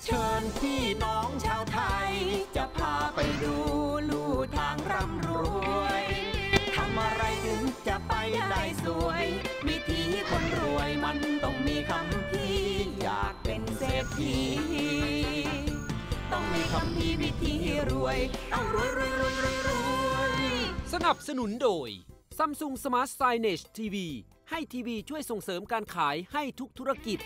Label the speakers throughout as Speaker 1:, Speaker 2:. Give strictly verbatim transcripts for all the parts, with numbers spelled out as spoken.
Speaker 1: เชิญพี่น้องชาวไทยจะพาไปดูลู่ทางร่ำรวยทำอะไรถึงจะไปได้สวยวิธีคนรวยมันต้องมีคำพี่อยากเป็นเศรษฐีต้องมีคำพี่วิธีรวยต้องรวยรวยรวยรวยรวย
Speaker 2: สนับสนุนโดย Samsung Smart Signage ที วี ให้ทีวีช่วยส่งเสริมการขายให้ทุกธุรกิจ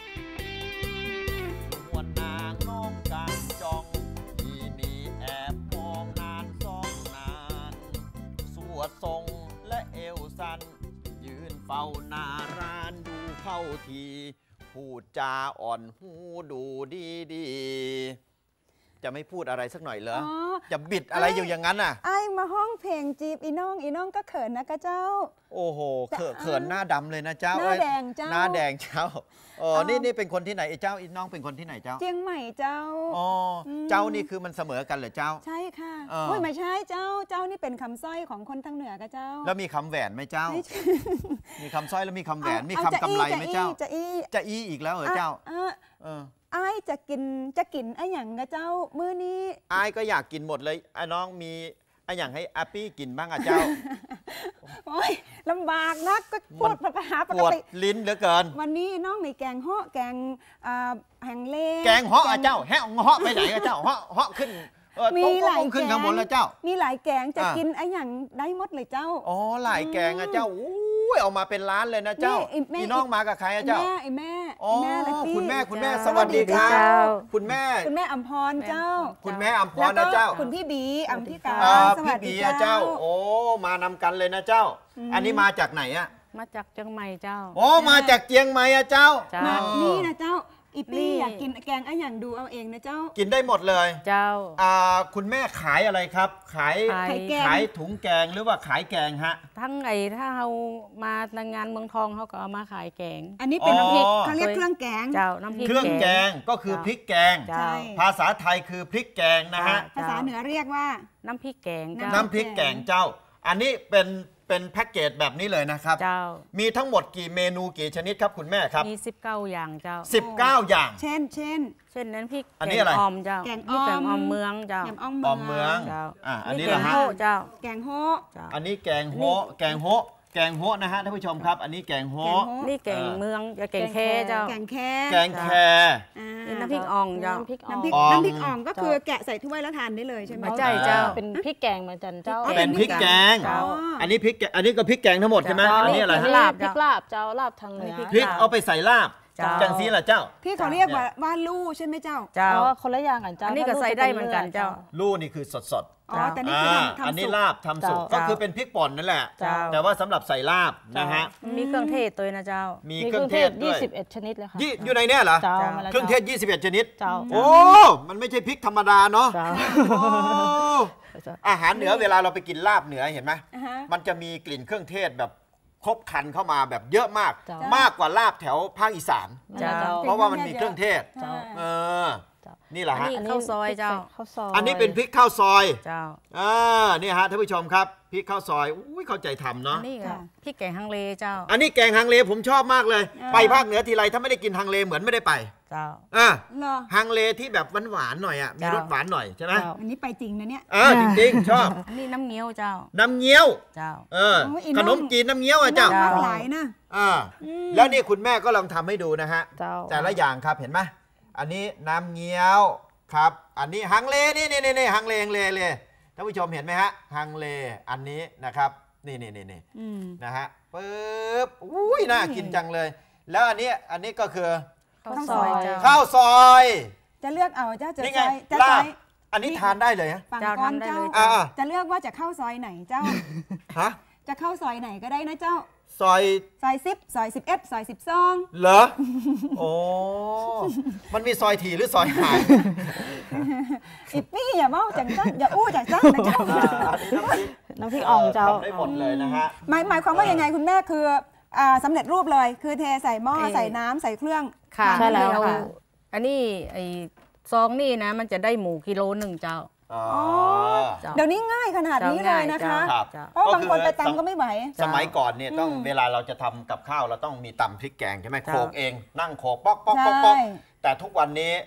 Speaker 1: วันนางน้องการจองทีนี้แอบมองนานสองนานสวดทรงและเอวสันยืนเฝ้าหน้าร้านดูเข้าทีพูดจาอ่อนหูดูดีดีจะไม่พูดอะไรสักหน่อยเหรอจะบิดอะไรอยู่อย่างนั้นน่ะ
Speaker 3: ไอ้มาห้องเพลงจีบอีน้องอีน้องก็เขินนะกะเจ้า
Speaker 1: โอ้โหเขินเขินหน้าดำเลยนะเจ้า
Speaker 3: หน้าแดงเจ้า
Speaker 1: หน้าแดงเจ้าเออนี่นี่เป็นคนที่ไหนไอ้เจ้าอีน้องเป็นคนที่ไหนเจ้า
Speaker 3: เจียงใหม่เจ้า
Speaker 1: อ๋อเจ้านี่คือมันเสมอกันเหรอเจ้า
Speaker 3: ใช่ค่ะโอ้ยไม่ใช่เจ้าเจ้านี่เป็นคำสร้อยของคนทางเหนือกะเจ้า
Speaker 1: แล้วมีคำแหวนไหมเจ้ามีคำสร้อยแล้วมีคำแหวนมีคำกำไรไหมเจ้า
Speaker 3: จะอี
Speaker 1: จะอีอีกแล้วเหรอเจ้าเออ
Speaker 3: ไอ้จะกินจะกินไอ้หยังกะเจ้ามื้อนี้
Speaker 1: ไอ้ก็อยากกินหมดเลยไอ้น้องมีไอ้หยังให้อาปี้กินบ้างอ่ะเจ้า
Speaker 3: โอ้ยลำบากนักก็พูดภาษาปกติ
Speaker 1: ลิ้นเหลือเกิน
Speaker 3: วันนี้น้องมีแกงเหาะแกงแหงเล่
Speaker 1: แกงเหาะอ่ะเจ้าแหงเหาะไปไหนอ่ะเจ้าเหาะเหาะขึ้น
Speaker 3: มีหลาย
Speaker 1: ขึ้นข้างบนแล้วเจ้า
Speaker 3: มีหลายแกงจะกินไอ้หยังได้หมดเลยเจ้า
Speaker 1: อ๋อหลายแกงอ่ะเจ้าอุ้ยเอามาเป็นร้านเลยนะเจ้าพี่น้องมากับใครอ่ะเจ้า
Speaker 3: ไอ้แม่
Speaker 1: อ๋อคุณแม่คุณแม่สวัสดีครับคุณแม่
Speaker 3: คุณแม่อัมพรเจ้า
Speaker 1: คุณแม่อัมพรนะเจ้า
Speaker 3: คุณพี่บีอัมพิกา
Speaker 1: สวัสดีเจ้าโอ้มานำกันเลยนะเจ้าอันนี้มาจากไหนอ่ะ
Speaker 4: มาจากเชียงใหม่เจ้า
Speaker 1: โอ้มาจากเชียงใหม่อ่ะเจ้า
Speaker 3: นี่นะเจ้าอีปี้อยากกินแกงไอ้อย่างดูเอาเองนะเจ้า
Speaker 1: กินได้หมดเลย
Speaker 4: เจ้า
Speaker 1: อ่าคุณแม่ขายอะไรครับขายขายถุงแกงหรือว่าขายแกงฮะ
Speaker 4: ทั้งไอ้ถ้าเรามาในงานเมืองทองเขาก็เอามาขายแกง
Speaker 3: อันนี้เป็นน้ำพริกเขาเรียกเครื่องแกง
Speaker 4: เจ้าน้ำพริก
Speaker 1: เครื่องแกงก็คือพริกแกงภาษาไทยคือพริกแกงนะฮะ
Speaker 3: ภาษาเหนือเรียกว่า
Speaker 4: น้ำพริกแกง
Speaker 1: น้ำพริกแกงเจ้าอันนี้เป็นเป็นแพ็กเกจแบบนี้เลยนะครับ
Speaker 4: เจ้า
Speaker 1: มีทั้งหมดกี่เมนูกี่ชนิดครับคุณแม่ครับ
Speaker 4: มีสิบเก้าอย่างเจ้า
Speaker 1: สิบเก้าอย่าง
Speaker 3: เช่นเช่น
Speaker 4: เช่นนั้นพริก
Speaker 1: อันนี้อะไร
Speaker 4: ออมเจ้า
Speaker 3: แกง
Speaker 4: ออมเมืองเจ้า
Speaker 3: แกงอ
Speaker 1: อมเมือง
Speaker 4: เจ้า
Speaker 1: อันนี้
Speaker 4: แกงโฮเจ้า
Speaker 3: แกงโฮ
Speaker 1: อันนี้แกงโฮแกงโฮแกงโฮนะฮะท่านผู้ชมครับอันนี้แกงโฮ
Speaker 4: นี่แกงเมืองจะแกงแค่เจ้า
Speaker 3: แกงแค่
Speaker 1: แกงแค
Speaker 4: น้ำพริกอ่องเจ้า
Speaker 3: น้ำพริกน้ำพริกน้ำพริกอ่องก็คือแกะใส่ถ้วยแล้วทานได้เลยใช่ไหม
Speaker 4: ใช่เจ้าเป็นพริกแกงเหมือนกันเจ้า
Speaker 1: เป็นพริกแกงอันนี้พริกอันนี้ก็พริกแกงทั้งหมดใช่ไหมอันนี้อะไร
Speaker 4: ลาบพริกลาบเจ้าลาบทางเหนือ
Speaker 1: พริกเอาไปใส่ลาบจังซีล่ะเจ้า
Speaker 3: พี่เขาเรียกว่าว่าลู่ใช่ไหมเจ้า
Speaker 4: เจ้าคนละอย่างกันเจ้าอันนี้ก็ใส่ได้เหมือนกันเจ้า
Speaker 1: ลู่นี่คือสดสด
Speaker 3: อ๋อแต่นี่คือทำ
Speaker 1: อันนี้ลาบทำสุกก็คือเป็นพริกป่นนั่นแหละแต่ว่าสำหรับใส่ลาบนะฮะ
Speaker 4: มีเครื่องเทศตัวนะเจ้า
Speaker 1: มีเครื่องเทศ
Speaker 4: ยี่สิบเอ็ดชนิดเลยค่ะ
Speaker 1: อยู่ในเนี่ยเหรอเครื่องเทศยี่สิบเอ็ดชนิดโอ้มันไม่ใช่พริกธรรมดาเนาะอาหารเหนือเวลาเราไปกินลาบเหนือเห็นไหมมันจะมีกลิ่นเครื่องเทศแบบครบครันเข้ามาแบบเยอะมากมากกว่าลาบแถวภาคอีสานเพราะว่ามันมีเครื่องเทศเออนี่แหละฮะ
Speaker 4: ข้าวซอยเจ้า
Speaker 1: อันนี้เป็นพริกข้าวซอยเจ้าอ่านี่ฮะท่านผู้ชมครับพริกข้าวซอยอุ้ยเข้าใจทำเนาะ
Speaker 4: นี่ค่ะพริกแกงฮังเลเจ้า
Speaker 1: อันนี้แกงฮังเลผมชอบมากเลยไปภาคเหนือทีไรถ้าไม่ได้กินฮังเลเหมือนไม่ได้ไป
Speaker 4: เจ้า
Speaker 1: อ่าฮังเลที่แบบหวานๆหน่อยอ่ะมีรสหวานหน่อยใช่ไหม
Speaker 3: อันนี้ไปจริงนะเนี่ย
Speaker 1: เออจริงๆชอบ
Speaker 4: อันนี้น้ำเงี้ยวเจ้า
Speaker 1: น้ำเงี้ยว
Speaker 4: เจ้า
Speaker 1: เออขนมจีนน้ำเงี้ยวอ่ะเจ้า
Speaker 3: หลายนะ
Speaker 1: อ่าแล้วนี่คุณแม่ก็ลองทำให้ดูนะฮะแต่ละอย่างครับเห็นไหมอันนี้น้ำเงี้ยวครับอันนี้ฮังเลนี่นี่นี่ฮังเลฮังเลเลยท่านผู้ชมเห็นไหมฮะฮังเลอันนี้นะครับนี่นี่นี่นี่นะฮะปึ๊บอุ้ยน่ากินจังเลยแล้วอันนี้อันนี้ก็คือ
Speaker 4: ข้าวซอย
Speaker 1: ข้าวซอย
Speaker 3: จะเลือกเอาเจ้าจะ
Speaker 1: ใช้จะใช้อันนี้ทานได้เลยฮะ
Speaker 3: ฝั่งก้อนเจ้าจะเลือกว่าจะเข้าซอยไหนเจ้า
Speaker 1: ฮะ
Speaker 3: จะเข้าซอยไหนก็ได้นะเจ้า
Speaker 1: ซอย
Speaker 3: ซอยสิบซอยสิบเอ็ดซอยสิบสอง
Speaker 1: เหรอโอ้มันมีซอยถี่หรือซอยห่าง
Speaker 3: อีปี้อย่าเมาจังจ้าอย่าอู้จังจ้านะเจ้า
Speaker 4: น้ำพริกอ่องเจ้า
Speaker 1: ได้หมดเลยนะฮะ
Speaker 3: หมายหมายความว่ายังไงคุณแม่คือสำเร็จรูปเลยคือเทใส่หม้อใส่น้ำใส่เครื่อง
Speaker 4: ค่ะใช่แล้วค่ะอันนี้ไอ้ซองนี่นะมันจะได้หมูกิโลหนึ่งเจ้า
Speaker 3: เดี๋ยวนี้ง่ายขนาดนี้เลยนะคะเพราะบางคนไปตำก็ไม่ไหว
Speaker 1: สมัยก่อนเนี่ยต้องเวลาเราจะทำกับข้าวเราต้องมีตำพริกแกงใช่ไหมโขลกเองนั่งโขลกป๊อกป๊อกป๊อกป๊อกแต่ทุกวันนี้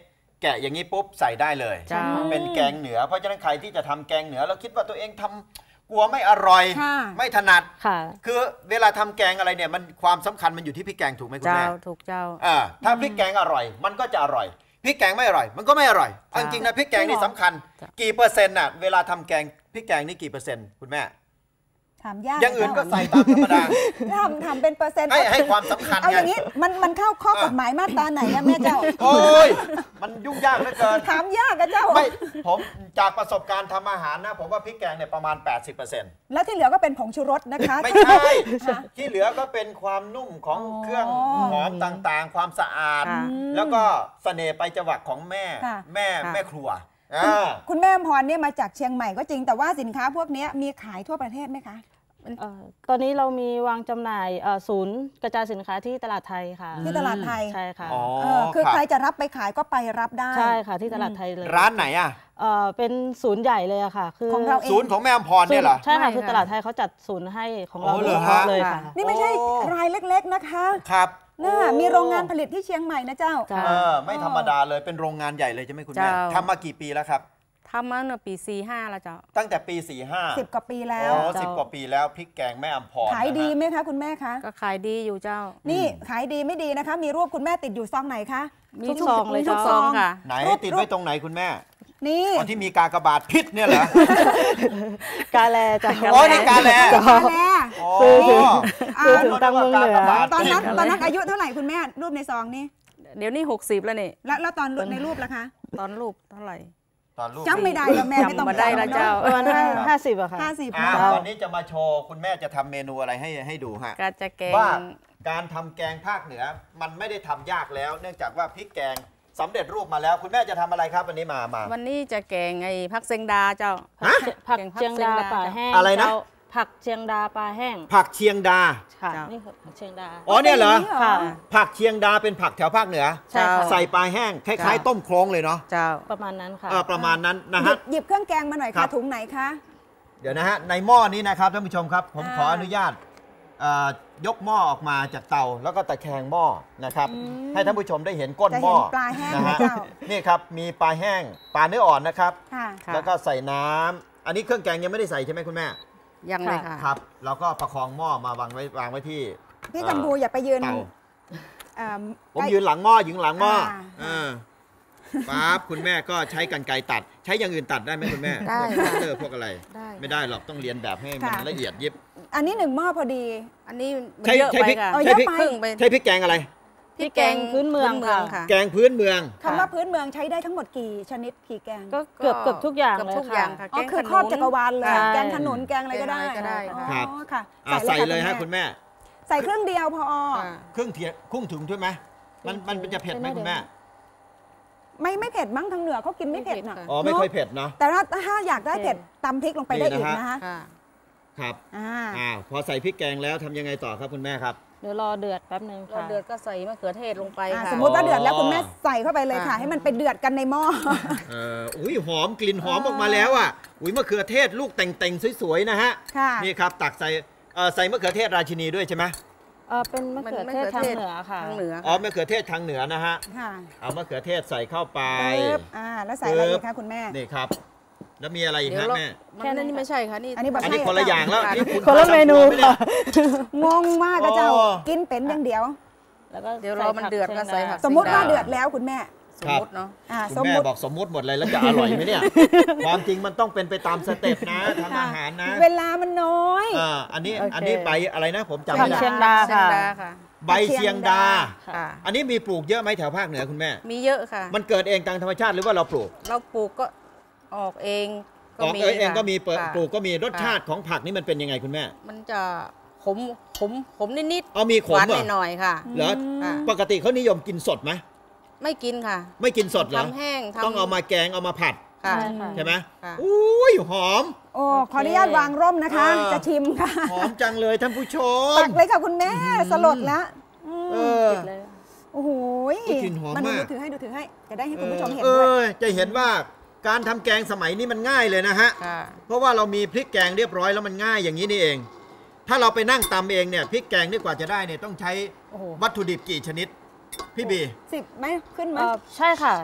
Speaker 5: แกะอย่างนี้ปุ๊บใส่ได้เลย
Speaker 4: เจ้า
Speaker 5: เป็นแกงเหนือเพราะฉะนั้นใครที่จะทำแกงเหนือแล้วคิดว่าตัวเองทำกลัวไม่อร่อย
Speaker 3: ค่ะ
Speaker 5: ไม่ถนัด
Speaker 6: ค่ะ
Speaker 5: คือเวลาทำแกงอะไรเนี่ยมันความสำคัญมันอยู่ที่พริกแกงถูกไหมคุณ
Speaker 4: เจ้า
Speaker 5: แม่
Speaker 4: ถูกเจ้า
Speaker 5: อ่าถ้าพริกแกงอร่อย มันก็จะอร่อยพริกแกงไม่อร่อย มันก็ไม่อร่อยเอาจริงๆนะพริกแกงนี่สำคัญ
Speaker 4: จ้ะ
Speaker 5: กี่เปอร์เซ็นต์น่ะเวลาทำแกงพริกแกงนี่กี่เปอร์เซ็นต์คุณแม่
Speaker 3: ถามยาก
Speaker 5: อย่างอื่นก็ใส่ตามธรรมดา
Speaker 3: ทำทำเป็นเปอร์เซ็นต์
Speaker 5: ให้ให้ความสำคัญ
Speaker 3: เอา
Speaker 5: ไง
Speaker 3: อย่างนี้มันมันเข้าข้อกฎหมายมาตราไหนอะแม่เจ้า
Speaker 5: โอ้ยมันยุ่งยากเหลือเกิน
Speaker 3: ถามยากอะเจ้า
Speaker 5: ไม่ผมจากประสบการณ์ทำอาหารนะผมว่าพริกแกงเนี่ยประมาณ แปดสิบเปอร์เซ็นต์
Speaker 3: แล้วที่เหลือก็เป็นผงชูรสนะคะ
Speaker 5: ไม่ใช่ที่เหลือก็เป็นความนุ่มของเครื่อง
Speaker 3: อ๋อ
Speaker 5: หอมต่างๆ ความสะอาด
Speaker 4: ค่ะ
Speaker 5: แล้วก็เสน่ห์ไปจวักของแม่
Speaker 3: ค่ะ
Speaker 5: แม่
Speaker 4: ค่ะ
Speaker 5: แม่ครัวอ่า
Speaker 3: คุณแม่อมพรเนี่ยมาจากเชียงใหม่ก็จริงแต่ว่าสินค้าพวกนี้มีขายทั่วประเทศไหมคะ
Speaker 6: เอ่อตอนนี้เรามีวางจำหน่ายเอ่อศูนย์กระจายสินค้าที่ตลาดไทยค่ะ
Speaker 3: ที่ตลาดไทย
Speaker 6: ใช่ค่ะ
Speaker 5: อ๋อ
Speaker 3: เออคือ
Speaker 5: รับ
Speaker 3: ใครจะรับไปขายก็ไปรับได้
Speaker 6: ใช่ค่ะที่ตลาดไทยเลย
Speaker 5: ร้านไหนอ่ะ
Speaker 6: เอ่อเป็นศูนย์ใหญ่เลยอะค่ะ คือ
Speaker 3: ของเราเอง
Speaker 5: ศูนย์ของแม่อมพรเนี่ยเหรอ
Speaker 6: ใช่ค่ะ
Speaker 4: ไม่
Speaker 6: คือ
Speaker 4: ค่ะ
Speaker 6: ตลาดไทยเขาจัดศูนย์ให้ของเรา
Speaker 5: โอ้เหรอ
Speaker 6: โดยเฉพาะ
Speaker 5: ฮะ
Speaker 6: เลยค่ะ
Speaker 3: นี่ไม่ใช่
Speaker 5: โอ้
Speaker 3: รายเล็กๆนะคะ
Speaker 5: ครับ
Speaker 3: น่ามีโรงงานผลิตที่เชียงใหม่นะเจ้า
Speaker 6: จ้ะ
Speaker 5: เออไม่ธรรมดาเลยเป็นโรงงานใหญ่เลยใช่ไหมคุณแม่
Speaker 4: เจ้า
Speaker 5: ทำมากี่ปีแล้วครับ
Speaker 4: ทำมาเมื่อปีสี่ห้าแล้วเจ้า
Speaker 5: ตั้งแต่ปี สี่ห้า
Speaker 3: สิบกว่าปีแล้ว
Speaker 5: อ๋อสิบกว่าปีแล้วพริกแกงแม่อมพร
Speaker 3: ขายดี
Speaker 5: นะฮะ
Speaker 3: ไหมคะคุณแม่คะ
Speaker 4: ก็ขายดีอยู่เจ้า
Speaker 3: นี่ขายดีไม่ดีนะคะ มีรูปคุณแม่ติดอยู่ซองไหนคะ
Speaker 4: มี
Speaker 6: ทุก
Speaker 4: ทุก
Speaker 6: ซองเลย
Speaker 4: มีทุก
Speaker 6: เจ้า
Speaker 4: ซองค่ะ
Speaker 5: ไหน
Speaker 3: รูป
Speaker 5: ติดไว้ตรงไหนคุณแม่
Speaker 3: นี่
Speaker 5: อ๋อที่มีกากบาทพิษเนี่ยเหรอ
Speaker 6: กาแลจ้ะ
Speaker 5: อ๋อนี่กาแล
Speaker 3: มาแล้ว
Speaker 5: อ๋อ
Speaker 6: ซื้อถึงตังเมืองเหนือ
Speaker 3: ตอนนั้นตอนนั้นอายุเท่าไหร่คุณแม่รูปในซองนี่
Speaker 4: เดี๋ยวนี้หกสิบแล้วนี่
Speaker 3: แล้วแล้วตอนในรูปล่ะคะ
Speaker 4: ตอนรูปเท่าไหร่
Speaker 5: ตอนลูก
Speaker 3: จำไม่ได้แล้วแม่ไม่ต้อง
Speaker 4: จำมาได้แล้วเจ้า
Speaker 6: ประมาณห้าห้าสิบอะค่ะ
Speaker 3: ห้าสิบ
Speaker 5: อ่า
Speaker 3: นะ
Speaker 5: วันนี้จะมาโชว์คุณแม่จะทำเมนูอะไรให้ให้ดูฮะ
Speaker 4: ก็จะแกง
Speaker 5: ว่าการทำแกงภาคเหนือมันไม่ได้ทำยากแล้ว เนื่องจากว่าพริกแกงสำเร็จรูปมาแล้ว คุณแม่จะทำอะไรครับวันนี้มามา
Speaker 4: วันนี้จะแกงไอ้ผักเซงดาเจ้า
Speaker 5: ฮะ
Speaker 6: ผัก
Speaker 4: แกงผัก
Speaker 6: เชียงดา
Speaker 4: เชียงดา
Speaker 6: ป่าแห้ง
Speaker 5: อะไรนะ
Speaker 6: เจ้าผักเชียงดาปลาแห้ง
Speaker 5: ผักเชียงดา
Speaker 6: ค่ะ
Speaker 4: เจ้า
Speaker 6: นี่คือผักเชียงดา
Speaker 5: อ๋อเนี่ยเหรอ
Speaker 6: ค่ะ
Speaker 5: ผักเชียงดาเป็นผักแถวภาคเหนือ
Speaker 6: ใช่ค่ะ
Speaker 5: ใส่ปลาแห้งคล้าย
Speaker 4: จ้ะ
Speaker 5: ๆต้มโครงเลยเนาะ
Speaker 4: เจ้า
Speaker 6: ประมาณนั้นค่ะ
Speaker 5: เออประมาณนั้นนะ
Speaker 3: หยิ
Speaker 5: ฮะ
Speaker 3: บหยิบเครื่องแกงมาหน่อย
Speaker 5: ครั
Speaker 3: ค่ะ
Speaker 5: บ
Speaker 3: ถุงไหนคะ
Speaker 5: เดี๋ยวนะฮะในหม้อนี้นะครับท่านผู้ชมครับ ผม
Speaker 3: อ่า
Speaker 5: ขออนุญาตเอ่อยกหม้อออกมาจากเตาแล้วก็ตะแคงหม้อนะครับ ให้ท่านผู้ชมได้เห็นก้น
Speaker 3: จะ
Speaker 5: หม้
Speaker 3: เห็
Speaker 5: อน
Speaker 3: ปลาแห้ง
Speaker 5: นะ
Speaker 3: นะ
Speaker 5: ฮะ
Speaker 3: เจ้า
Speaker 5: นี่ครับมีปลาแห้งปลาเนื้ออ่อนนะครับ
Speaker 3: ค่ะ
Speaker 4: ค่ะ
Speaker 5: แล้วก็ใส่น้ำอันนี้เครื่องแกงยังไม่ได้ใส่ใช่ไหมคุณแม่
Speaker 4: ยังเลยค่ะ
Speaker 5: ครับแล้วก็ประคองหม้อมาวางไว้วางไว้ที่
Speaker 3: พี่กัมพูอย่าไปยืน
Speaker 5: เตา
Speaker 3: เอิ่ม
Speaker 5: ผม
Speaker 3: ใกล้
Speaker 5: ยืนหลังหม้อยืนหลังหม้อ
Speaker 3: อ่า
Speaker 5: เออปั๊บคุณแม่ก็ใช้กรรไกรตัด ใช้อย่างอื่นตัดได้ไหมคุณแม่
Speaker 4: ได้
Speaker 5: พวก
Speaker 4: ค่ะ
Speaker 5: คัตเตอร์พวกอะไร
Speaker 4: ได้
Speaker 5: ไม่ได้หรอกต้องเรียนแบบให้มัน
Speaker 3: ค่ะ
Speaker 5: ละเอียดยิบ
Speaker 3: อันนี้หนึ่งหม้อพอดี
Speaker 4: อันนี้มัน
Speaker 5: ใช่
Speaker 4: เยอะ
Speaker 5: ใช่
Speaker 4: ไป
Speaker 5: พริก
Speaker 4: ค่ะ
Speaker 3: เอา
Speaker 5: ใช่
Speaker 3: เยอะ
Speaker 5: พริก
Speaker 3: ไป
Speaker 4: ครึ่งไป
Speaker 5: ใช้พริกแกงอะไร
Speaker 4: พริกแกง
Speaker 6: พื้นเมืองค่ะ
Speaker 4: ค่ะ
Speaker 5: แกงพื้นเมือง
Speaker 3: คำว่าพื้นเมืองใช้ได้ทั้งหมดกี่ชนิดกี่แกง
Speaker 6: ก็เกือบเกือบทุกอย่าง
Speaker 4: เกือบ
Speaker 6: เลย
Speaker 4: ทุกอย่าง
Speaker 6: ค่ะ
Speaker 4: ค่ะ
Speaker 3: อ๋อ
Speaker 4: แกง
Speaker 3: คือ
Speaker 4: ขนุน
Speaker 3: ครอบจักรวาลเลย
Speaker 6: ใช่
Speaker 3: แกงขนุนแกงอะไรก็ได้
Speaker 4: แกงอะไรก็ได้
Speaker 3: อ๋อ
Speaker 5: ครับ
Speaker 3: ค่ะ
Speaker 5: อ่ะใส่เลยฮะคุณแม่
Speaker 3: ใส่เครื่องเดียวพอ
Speaker 4: ค่ะ
Speaker 5: ครึ่งเทียครึ่งถุงใช่ไหมมันมันจะเผ็ดไหมคุณแม่
Speaker 3: ไม่ไม่เผ็ดมั้งทางเหนือเขากินไม่เผ็ดนะ
Speaker 5: อ๋อไม่ค่อยเผ็ดเนาะ
Speaker 3: แต่ถ้าถ้าอยากได้เผ็ดตำพริกลงไปได้อีกนะคะ
Speaker 4: ค่ะ
Speaker 5: ครับ
Speaker 3: อ่า
Speaker 5: อ่าพอใส่พริกแกงแล้วทำยังไงต่อครับคุณแม่ครับ
Speaker 6: เดี๋ยวรอเดือดแป๊บนึง
Speaker 4: เรา
Speaker 6: ค่ะ
Speaker 4: เดือดก็ใส่มะเขือเทศลงไป
Speaker 3: อ่า
Speaker 4: ค่ะ
Speaker 3: สมมุติว่าเดือดแล้วคุณแม่ใส่เข้าไปเลยค่ะ
Speaker 4: ค่ะ
Speaker 3: ให้มันไปเดือดกันในหม้อ
Speaker 5: เอ่ออุ้ยหอมกลิ่นหอมออกมาแล้วอ่ะอุ้ยมะเขือเทศลูกแต่งๆสวยๆนะฮะ
Speaker 3: ค่ะ
Speaker 5: นี่ครับตักใส่เอ่อใส่มะเขือเทศราชินีด้วยใช่ไหม
Speaker 6: เออเป็นมะเขือเทศทางเหนือค่ะ
Speaker 4: ทางเหนือ
Speaker 5: อ๋อ
Speaker 4: ค่ะ
Speaker 5: มะเขือเทศทางเหนือนะฮะ
Speaker 3: ค่ะ
Speaker 5: เอามะเขือเทศใส่เข้าไป
Speaker 3: ปึ๊บอ่าแล้วใส่อะไรอีกคะคุณแม่
Speaker 5: นี่ครับ แล้วมีอะไรอีก
Speaker 4: เดี๋ยว
Speaker 5: ฮะ
Speaker 4: เรา
Speaker 5: แม่
Speaker 4: มันนั่นนี่ไม่ใช่ค่ะนี่
Speaker 3: อันนี้แบบ
Speaker 5: อันนี้คนละอย่างแล้วนี่ณ
Speaker 6: คนละเมนู
Speaker 5: ทำครัวไห
Speaker 6: ค่ะ
Speaker 3: งงมากกระเจ้า
Speaker 5: อ๋อ
Speaker 3: กินเป็นอย่างเดียว
Speaker 6: แล้วก็
Speaker 4: เดี๋ยวรอมันเดือดก็ใส่ผัก
Speaker 3: สมมุติว่าเดือดแล้วคุณแม่
Speaker 4: สมมติเนาะ
Speaker 3: อ่า
Speaker 5: คุ
Speaker 3: ส
Speaker 5: ณ
Speaker 3: ม
Speaker 5: แม่
Speaker 3: มุติ
Speaker 5: บอกสมมุติหมดเลยแล้วจะอร่อยไหมเนี่ย ความจริงมันต้องเป็นไปตามสเต็ปนะทำอาหารนะ
Speaker 3: เวลามันน้อย
Speaker 5: อ่าอันนี้
Speaker 6: โอเค
Speaker 5: อันนี้ใบอะไรนะผมจำ
Speaker 6: ผั
Speaker 5: ไม่
Speaker 6: ก
Speaker 5: ได้
Speaker 6: เชียงดา
Speaker 4: เชียง
Speaker 6: ค่ะ
Speaker 4: ดาค่ะ
Speaker 5: ใบเชียงดา
Speaker 4: ค่ะ
Speaker 5: อันนี้มีปลูกเยอะไหมแถวภาคเหนือคุณแม่
Speaker 4: มีเยอะค่ะ
Speaker 5: มันเกิดเองตามธรรมชาติหรือว่าเราปลูก
Speaker 4: เราปลูกก็ออกเอง
Speaker 5: ออกเองเองก็มีเปิด
Speaker 4: ค่ะ
Speaker 5: ปลูกก็มีรสชาติของผักนี่มันเป็นยังไงคุณแม่
Speaker 4: มันจะขมขมขมนิด
Speaker 5: เอามีข
Speaker 4: ๆห
Speaker 5: ม
Speaker 4: วาน
Speaker 5: เหรอ
Speaker 4: หน่อยๆค่ะ
Speaker 5: เหรอ
Speaker 4: ค่ะ
Speaker 5: ปกติเขานิยมกินสดไหม
Speaker 4: ไม่กินค่ะ
Speaker 5: ไม่กินสดเหรอ
Speaker 4: ทำแห้งทำ
Speaker 5: ต้องเอามาแกงเอามาผัด
Speaker 4: ค่ะ
Speaker 6: ใช่ค่ะ
Speaker 5: ใช่ไหม
Speaker 4: ค่ะ
Speaker 5: อุ้ยหอม
Speaker 3: โอ้ขออนุญาตวางร่มนะคะ
Speaker 5: เออ
Speaker 3: จะชิมค่ะ
Speaker 5: หอมจังเลยท่านผู้ชม
Speaker 3: ตักเลยค่ะคุณแม่สลดแล้วอืม
Speaker 5: เออ
Speaker 6: ปิดเลย
Speaker 3: โอ้โห
Speaker 5: โอ้ยกลิ่นหอมมาก
Speaker 3: ดูถือให้ดูถือให้จะได้ให้คุณผู้ชมเห็น
Speaker 5: เอ
Speaker 3: ด้วย
Speaker 5: อจะเห็นว่าการทำแกงสมัยนี้มันง่ายเลยนะฮะ
Speaker 4: ค่ะ
Speaker 5: เพราะว่าเรามีพริกแกงเรียบร้อยแล้วมันง่ายอย่างนี้นี่เอง ถ้าเราไปนั่งตำเองเนี่ยพริกแกงนี่กว่าจะได้เนี่ยต้องใช้
Speaker 3: โอ้โห
Speaker 5: วัตถุดิบกี่ชนิด พี่บี
Speaker 3: สิบไหมขึ้นไหม
Speaker 6: เอ่อใช่ค่ะ ก็